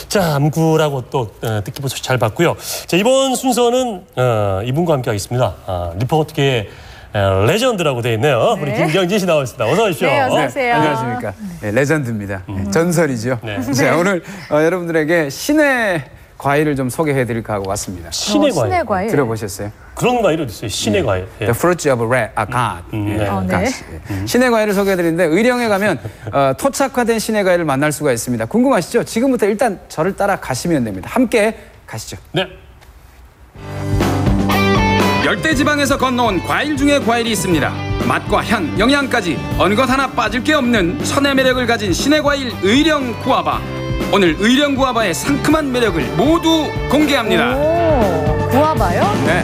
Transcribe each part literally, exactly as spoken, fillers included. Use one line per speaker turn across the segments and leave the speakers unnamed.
자, 암구라고 또 어, 뜻깊은 소식 잘 봤고요. 자, 이번 순서는 어, 이분과 함께 하겠습니다. 아, 리포트계의 레전드라고 되어 있네요. 네. 우리 김경진 씨 나오셨습니다. 어서 오십시오.
네, 어서 오세요.
안녕하십니까. 네, 레전드입니다. 음. 전설이죠.
네.
자, 오늘 어, 여러분들에게 신의 과일을 좀 소개해드릴까 하고 왔습니다.
신의
어,
과일.
신의 과일.
들어보셨어요?
그런 과일이 어디 있어요? 신의 네. 과일. 예.
The fruits of red, 아, God.
음,
예,
네.
어, 네.
God. 예. 신의 과일을 소개해드리는데 의령에 가면 어, 토착화된 신의 과일을 만날 수가 있습니다. 궁금하시죠? 지금부터 일단 저를 따라 가시면 됩니다. 함께 가시죠.
네.
열대지방에서 건너온 과일 중에 과일이 있습니다. 맛과 향, 영양까지 어느 것 하나 빠질 게 없는 천의 매력을 가진 신의 과일 의령 구아바. 오늘 의령 구아바의 상큼한 매력을 모두 공개합니다.
오, 구아바요?
네.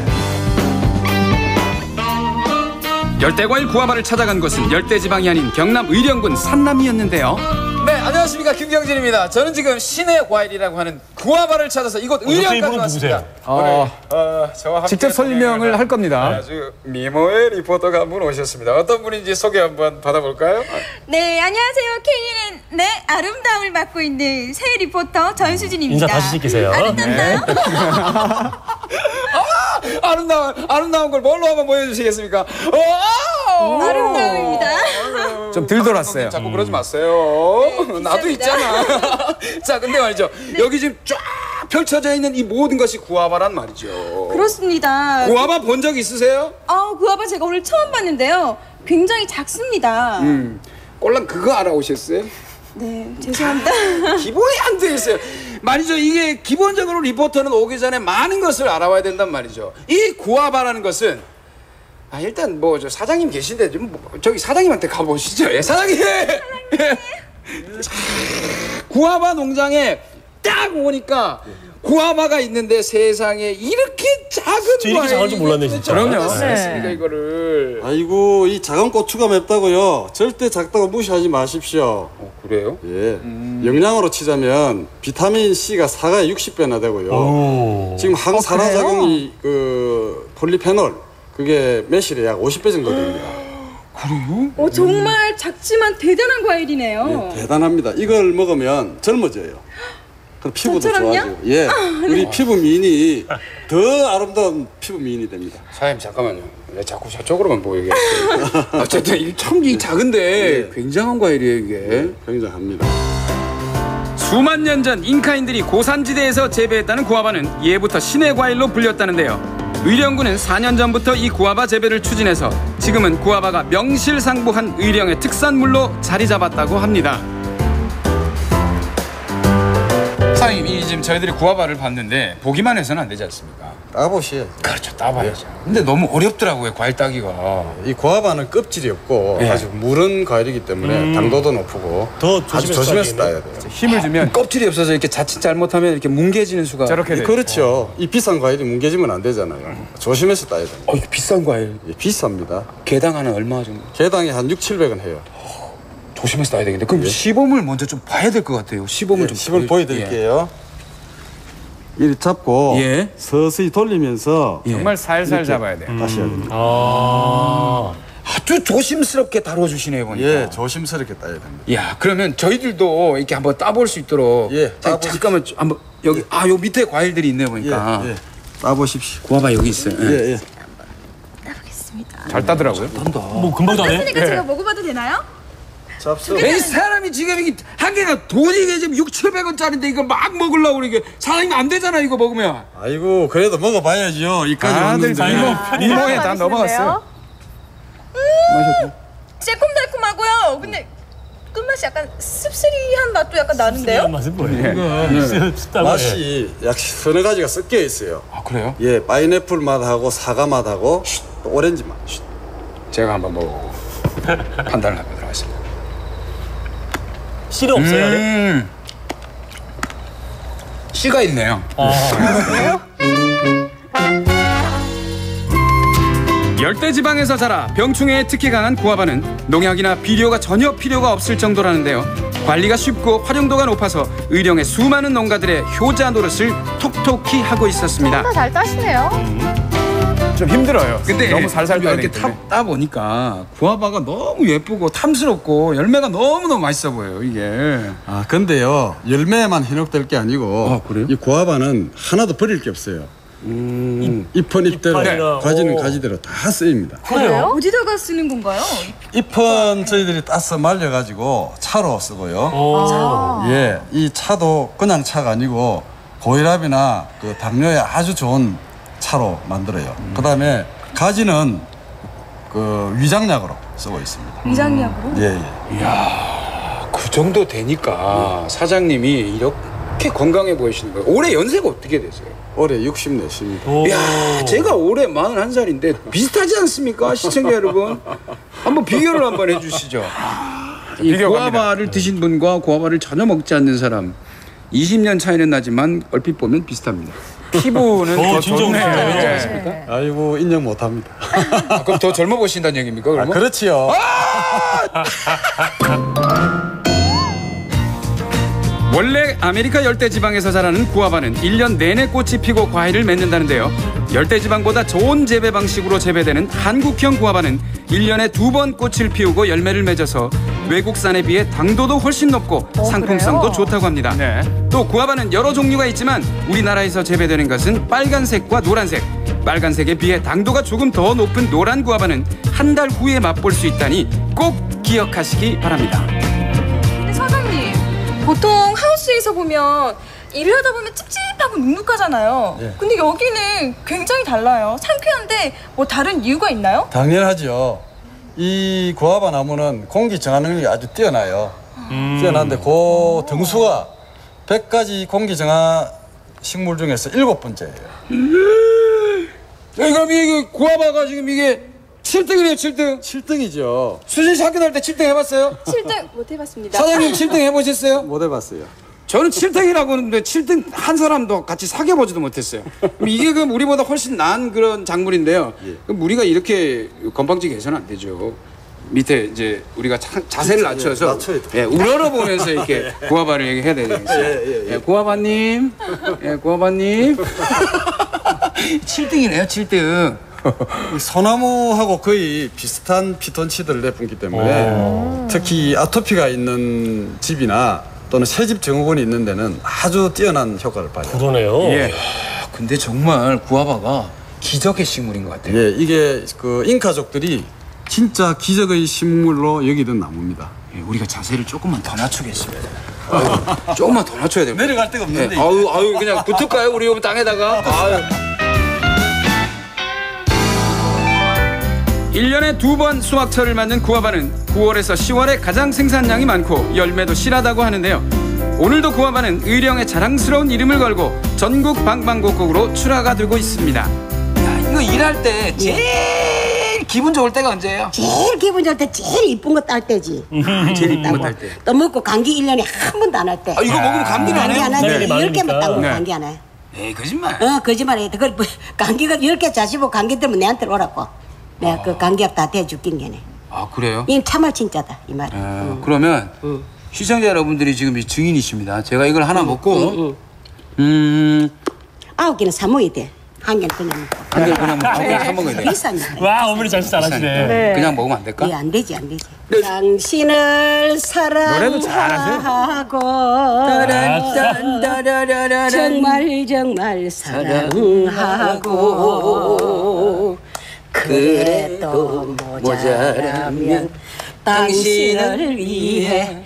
열대과일 구아바를 찾아간 곳은 열대지방이 아닌 경남 의령군 산남이었는데요. 네, 안녕하십니까. 김경진입니다. 저는 지금 신의 과일이라고 하는 구아바를 찾아서 이곳 의령까지 왔습니다.
어, 어, 저와 함께
직접 설명을 할 겁니다.
아주 미모의 리포터가 한 분 오셨습니다. 어떤 분인지 소개 한번 받아볼까요?
네, 안녕하세요. 케이엔엔 네, 아름다움을 맡고 있는 새 리포터 전수진입니다.
인사 다시 시키세요.
아름답나요?
네.
아, 아름다운 아름다운 걸 뭘로 한번 보여주시겠습니까? 오!
아름다움입니다.
좀 덜 돌았어요.
자꾸 그러지 마세요.
네,
나도 있잖아. 자, 근데 말이죠.
네.
여기 지금 쫙 펼쳐져 있는 이 모든 것이 구아바란 말이죠.
그렇습니다.
구아바 본 적 있으세요?
아, 구아바 제가 오늘 처음 봤는데요. 굉장히 작습니다.
음, 꼴랑 그거 알아오셨어요?
네, 죄송합니다.
기본이 안 돼 있어요. 말이죠. 이게 기본적으로 리포터는 오기 전에 많은 것을 알아와야 된단 말이죠. 이 구아바라는 것은 아, 일단 뭐 저 사장님 계신데 좀 뭐, 저기 사장님한테 가보시죠. 예, 사장님. 사장님. 구아바 농장에 딱 오니까 구아바가 있는데 세상에 이렇게 작은
저 이렇게 작을 줄 몰랐네, 진짜.
그럼요.
네.
했습니까 이거를?
아이고, 이 작은 고추가 맵다고요. 절대 작다고 무시하지 마십시오.
어, 그래요?
예, 음. 영양으로 치자면 비타민 C가 사과에 육십 배나 되고요.
오.
지금 항산화작용이 그 폴리페놀 그게 매실에 약 오십 배 정도 됩니다.
그래요?
오, 정말 작지만 대단한 과일이네요.
예, 대단합니다. 이걸 먹으면 젊어져요. 그럼 피부도
저처럼요?
좋아지고. 예, 우리 피부 미인이 더 아름다운 피부 미인이 됩니다.
사장님 잠깐만요. 왜 자꾸 저쪽으로만 보이게 했어요? 어쨌든 이 참 이 작은데
예.
굉장한 과일이에요 이게.
예, 굉장합니다.
수만 년 전 잉카인들이 고산지대에서 재배했다는 구아바는 예부터 신의 과일로 불렸다는데요. 의령군은 사 년 전부터 이 구아바 재배를 추진해서 지금은 구아바가 명실상부한 의령의 특산물로 자리 잡았다고 합니다. 사장님, 이 지금 저희들이 구아바를 봤는데 보기만 해서는 안 되지 않습니까?
따보시죠.
그렇죠, 따봐야죠. 근데 너무 어렵더라고요, 과일 따기가.
이 구아바는 껍질이 없고
예.
아주 무른 과일이기 때문에
음.
당도도 높고
더
아주
조심해서
조심해서
따야겠네요.
따야 돼요.
힘을 주면
껍질이 없어서 이렇게 자칫 잘못하면 이렇게 뭉개지는 수가.
저렇게
예,
돼요.
그렇죠. 이 비싼 과일이 뭉개지면 안 되잖아요. 조심해서 따야 됩니다.
어, 이거 비싼 과일.
예, 비쌉니다.
개당 하나 얼마 정도?
개당에 한 육칠백 원 해요.
조심해서 따야 되겠는데. 그럼 시범을 먼저 좀 봐야 될 것 같아요. 시범을
예,
좀.
시범 보여드릴게요. 이렇게 잡고
예.
서서히 돌리면서
예.
정말 살살 잡아야 돼요.
다시 해야 됩니다.
아.
아주 조심스럽게 다뤄주시네요 보니까.
예, 조심스럽게 따야 됩니다.
야, 그러면 저희들도 이렇게 한번 따볼 수 있도록.
예,
자,
따보십시오.
잠깐만 좀 한번 여기 아, 요 밑에 과일들이 있네 보니까.
예, 예. 따보십시오.
구아바 여기 있어요.
예, 예.
따보겠습니다.
잘 따더라고요.
뭐 금방 따네.
그러니까 제가 먹어봐도 되나요?
잡수.
이 사람이 지금 이게 한 개가 돈이 이게 지금 육천백 원짜리인데 이거 막 먹으려고 그러게. 사장님 안 되잖아 이거 먹으면.
아이고, 그래도 먹어봐야죠. 이까지
다들
왔는데.
이모, 이모에 다 넘어갔어요.
음, 새콤달콤하고요. 근데 끝맛이 약간 씁쓸이한 맛도 약간 나는데요?
맛은 뭐예요?
예.
이거 씁다고.
맛이 약 서너 가지가 섞여 있어요.
아, 그래요?
예, 파인애플 맛하고 사과 맛하고 또 오렌지 맛.
제가 한번 먹어보고 판단을 해보도록 하겠습니다.
씨는 없어요? 네?
음, 씨가 있네요.
열대지방에서 자라 병충해에 특히 강한 구아바는 농약이나 비료가 전혀 필요가 없을 정도라는데요. 관리가 쉽고 활용도가 높아서 의령의 수많은 농가들의 효자 노릇을 톡톡히 하고 있었습니다.
다 잘 따시네요.
저
좀 힘들어요.
근데
너무 살살 떠야
이렇게
되기
타,
때문에.
따 보니까 구아바가 너무 예쁘고 탐스럽고 열매가 너무 너무 맛있어 보여요 이게.
아 근데요 열매만 현혹될 게 아니고
아, 그래요?
이 구아바는 하나도 버릴 게 없어요. 음, 잎은 잎대로
잎이나,
가지는
오.
가지대로 다 쓰입니다.
그래요?
어디다가 쓰는 건가요?
잎은 저희들이 따서 말려가지고 차로 쓰고요.
오.
예, 이 차도 그냥 차가 아니고 고혈압이나 그 당뇨에 아주 좋은 차로 만들어요.
음.
그다음에 가지는 그 위장약으로 쓰고 있습니다.
위장약으로?
예, 예.
그 정도 되니까 사장님이 이렇게 건강해 보이시는 거예요. 올해 연세가 어떻게 되세요?
올해 육십사십니다.
오.
야, 제가 올해 마흔한 살인데 비슷하지 않습니까? 시청자 여러분. 한번 비교를 한번 해주시죠.
이
비교
구아바를 드신 분과 구아바를 전혀 먹지 않는 사람 이십 년 차이는 나지만 얼핏 보면 비슷합니다.
피부는
어,
더
진짜
좋네요.
웃기네요.
그렇지 않습니까?
아이고 인정 못합니다.
아, 그럼 더 젊어 보신다는 얘기입니까?
아,
그러면?
그렇지요.
원래 아메리카 열대지방에서 자라는 구아바는 일 년 내내 꽃이 피고 과일을 맺는다는데요. 열대지방보다 좋은 재배 방식으로 재배되는 한국형 구아바는 일 년에 두 번 꽃을 피우고 열매를 맺어서 외국산에 비해 당도도 훨씬 높고
어,
상품성도
그래요?
좋다고 합니다.
네.
또 구아바는 여러 종류가 있지만 우리나라에서 재배되는 것은 빨간색과 노란색. 빨간색에 비해 당도가 조금 더 높은 노란 구아바는 한 달 후에 맛볼 수 있다니 꼭 기억하시기 바랍니다.
근데 사장님, 보통 하우스에서 보면 일을 하다 보면 찝찝하고 눅눅하잖아요.
예.
근데 여기는 굉장히 달라요. 상쾌한데 뭐 다른 이유가 있나요?
당연하죠. 이 구아바 나무는 공기 정화 능력이 아주 뛰어나요. 뛰어난데 그 등수가 백 가지 공기 정화 식물 중에서 일곱 번째예요.
야, 그럼 이게 구아바가 지금 이게 칠 등이네요, 칠 등.
칠 등이죠.
수진 씨 학교 다닐 때 칠 등 해봤어요?
칠 등 못 해봤습니다.
사장님 칠 등 해보셨어요?
못 해봤어요.
저는 칠 등이라고 하는데 칠 등 한 사람도 같이 사귀어보지도 못했어요. 그럼 이게 그럼 우리보다 훨씬 나은 그런 작물인데요. 그럼 우리가 이렇게 건방지게 해서는 안 되죠. 밑에 이제 우리가 자, 자세를 낮춰서
낮춰야 돼.
예, 우러러 보면서 이렇게 구아바를 얘기해야 되겠어요.
예, 예, 예.
예, 구아바님, 예, 구아바님. 칠 등이네요, 칠 등.
이 소나무하고 거의 비슷한 피톤치드를 내뿜기 때문에 특히 아토피가 있는 집이나 또는 새집 증후군이 있는 데는 아주 뛰어난 효과를 발휘해요.
그러네요.
예. 아, 근데 정말 구아바가 기적의 식물인 것 같아요.
예, 이게 그 잉카족들이 진짜 기적의 식물로 여기던 나무입니다.
예, 우리가 자세를 조금만 더 낮추겠습니다. 아유, 조금만 더 낮춰야 됩니다.
내려갈 데가 없는데.
예, 아유, 아유, 그냥 붙을까요? 우리 여기 땅에다가. 아유.
일 년에 두 번 수확철을 맞는 구아바는 구월에서 시월에 가장 생산량이 많고 열매도 실하다고 하는데요. 오늘도 구아바는 의령의 자랑스러운 이름을 걸고 전국 방방곡곡으로 출하가 되고 있습니다.
야, 이거 일할 때 제일 기분 좋을 때가 언제예요?
제일 기분 좋을 때 제일 이쁜 거 딸 때지.
제일 이쁜 거 딸 때.
또 먹고 감기 일 년에 한 번도 안 할 때.
아, 이거 먹으면 감기는 안
감기
해요?
안 하지.
네,
열 개만 딱 먹으면
네.
감기 안 해.
에이, 거짓말.
어, 거짓말 해. 그 감기가 열 개 자시고 감기 때문에 내한테 오라고. 내가 그 감기약 다 대줄긴 게네.
아, 그래요?
이건 참말 진짜다 이 말이.
아, 그러면 시청자 여러분들이 지금 이 증인이십니다. 제가 이걸 하나 먹고 음,
아홉 개는 사 먹어야 돼. 한 개는 그냥 먹고.
한 개 그냥 한 개 사 먹어야 돼.
비싸니까.
와, 어머니 잘 잘하시네.
네.
그냥 먹으면 안 될까?
예, 안 되지, 안 되지. 당신을
노래도 잘하세요.
사랑하고
딴딴따라라라.
정말 정말 사랑하고 그래도 모자라면 당신을 위해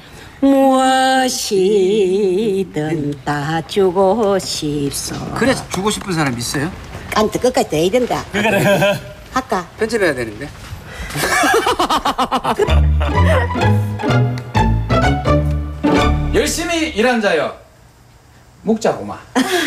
무엇이든 다 주고 싶소.
그래 주고 싶은 사람 있어요?
깐트 끝까지 돼야 된다. 할까?
편집해야 되는데. 열심히 일한 자여 먹자고마.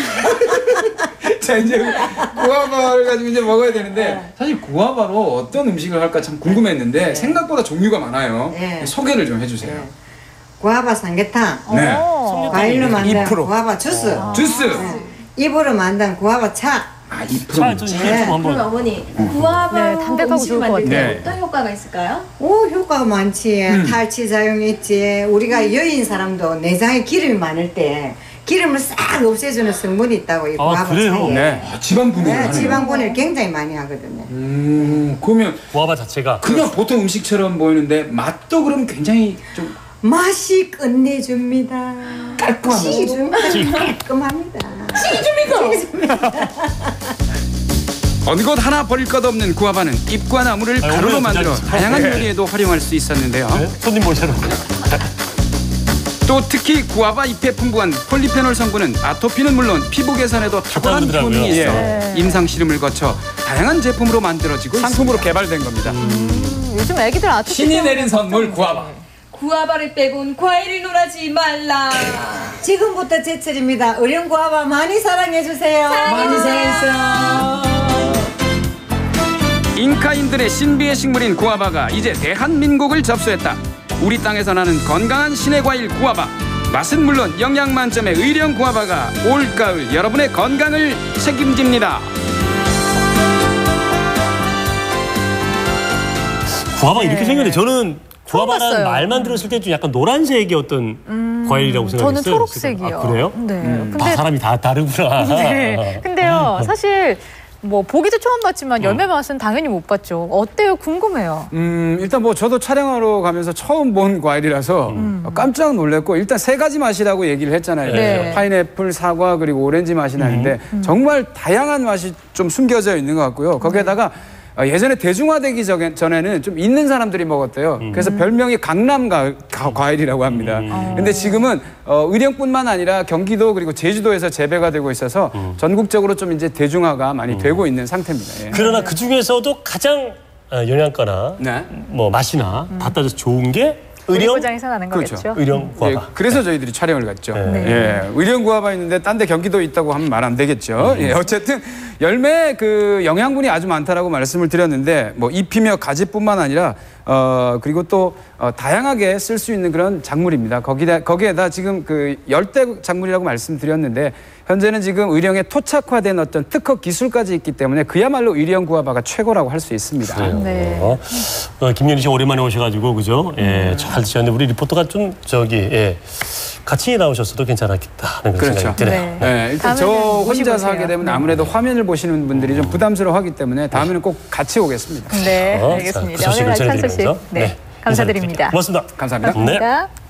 자 이제 구아바를 가지고 이제 먹어야 되는데 사실 구아바로 어떤 음식을 할까 참 궁금했는데 생각보다 종류가 많아요.
네.
소개를 좀 해주세요.
네. 구아바 삼계탕,
네.
과일로 만든
이 프로.
구아바 주스,
주스.
잎으로 만든 구아바 차.
아, 이
자,
프로.
좀 이게 좀 한번.
어머니, 구아바
네, 담백하고
음식
좋을 것
만들 때
같아요.
어떤 효과가 있을까요?
오, 효과가 많지. 탈취 작용이 있지. 우리가 여인 사람도 내장에 기름이 많을 때 기름을 싹 없애주는 성분이 있다고 이
아,
구아바
그래요?
차에.
네. 아, 지방 분해를
네,
하네요.
지방 분해를 굉장히 많이 하거든요.
음, 그러면
구아바 자체가
그냥 보통 음식처럼 보이는데 맛도 그럼 굉장히 좀
맛이 끝내줍니다.
깔끔합니다.
깔끔합니다.
어느 것 하나 버릴 것 없는 구아바는 잎과 나무를
아유,
가루로
오늘
만들어
진짜-
다양한
네.
요리에도 활용할 수 있었는데요.
네? 손님 모셔놓고.
또 특히 구아바 잎에 풍부한 폴리페놀 성분은 아토피는 물론 피부 개선에도 탁월한
그러더라고요.
효능이 있어
네.
임상 실험을 거쳐 다양한 제품으로 만들어지고 상품으로 개발된 겁니다.
요즘 애기들 아토피
신이
때문에
내린 선물 구아바.
구아바를 빼곤 과일을 놀아지 말라.
지금부터 제철입니다. 어린 구아바 많이 사랑해 주세요. 많이 사랑해주세요.
잉카인들의 신비의 식물인 구아바가 이제 대한민국을 접수했다. 우리 땅에서 나는 건강한 신의 과일 구아바. 맛은 물론 영양 만점의 의령 구아바가 올가을 여러분의 건강을 책임집니다.
구아바 이렇게 생겼는데 저는 구아바라는
봤어요.
말만 들었을 때 좀 약간 노란색의 어떤 과일이라고 생각했어요.
저는 초록색이요.
아, 그래요?
네.
다
근데
사람이 다 다르구나.
네. 근데요, 사실 뭐 보기도 처음 봤지만 열매 맛은 당연히 못 봤죠. 어때요? 궁금해요.
음, 일단 뭐 저도 촬영하러 가면서 처음 본 과일이라서 깜짝 놀랐고 일단 세 가지 맛이라고 얘기를 했잖아요.
네.
파인애플, 사과 그리고 오렌지 맛이 나는데 정말 다양한 맛이 좀 숨겨져 있는 것 같고요. 거기에다가 어, 예전에 대중화되기 전에- 전에는 좀 있는 사람들이 먹었대요. 그래서 별명이 강남 가, 가- 과일이라고 합니다. 근데 지금은 어, 의령뿐만 아니라 경기도 그리고 제주도에서 재배가 되고 있어서 전국적으로 좀 이제 대중화가 많이 되고 있는 상태입니다. 예.
그러나 그 중에서도 가장 어, 영양가나
네.
뭐 맛이나 다 따져서 좋은 게 의령,
고장에서 나는
그렇죠.
거겠죠.
의령 구아바.
예, 그래서 저희들이 촬영을 갔죠.
네.
예, 의령 구아바 있는데 딴 데 경기도 있다고 하면 말 안 되겠죠. 예, 어쨌든 열매 그 영양분이 아주 많다라고 말씀을 드렸는데 뭐 잎이며 가지뿐만 아니라 어 그리고 또 어, 다양하게 쓸 수 있는 그런 작물입니다. 거기다 거기에다 지금 그 열대 작물이라고 말씀드렸는데 현재는 지금 의령에 토착화된 어떤 특허 기술까지 있기 때문에 그야말로 의령 구아바가 최고라고 할 수 있습니다.
그래요.
네.
어, 어, 김연희 씨 오랜만에 오셔가지고 그죠? 예, 잘 드셨는데 우리 리포터가 좀 저기 예, 같이 나오셨어도 괜찮았겠다 하는 그런
그렇죠.
생각이 드네요.
네.
네, 일단 저
다음에는 모시고
혼자서 하게
오세요.
되면
네.
아무래도 화면을 보시는 분들이 좀 부담스러워하기 때문에 다음에는 꼭 같이 오겠습니다.
네,
어, 자,
알겠습니다.
그 소식을
오늘 찬 소식
전해드리면서
네,
네,
감사드립니다.
고맙습니다.
감사합니다.
네.
감사합니다.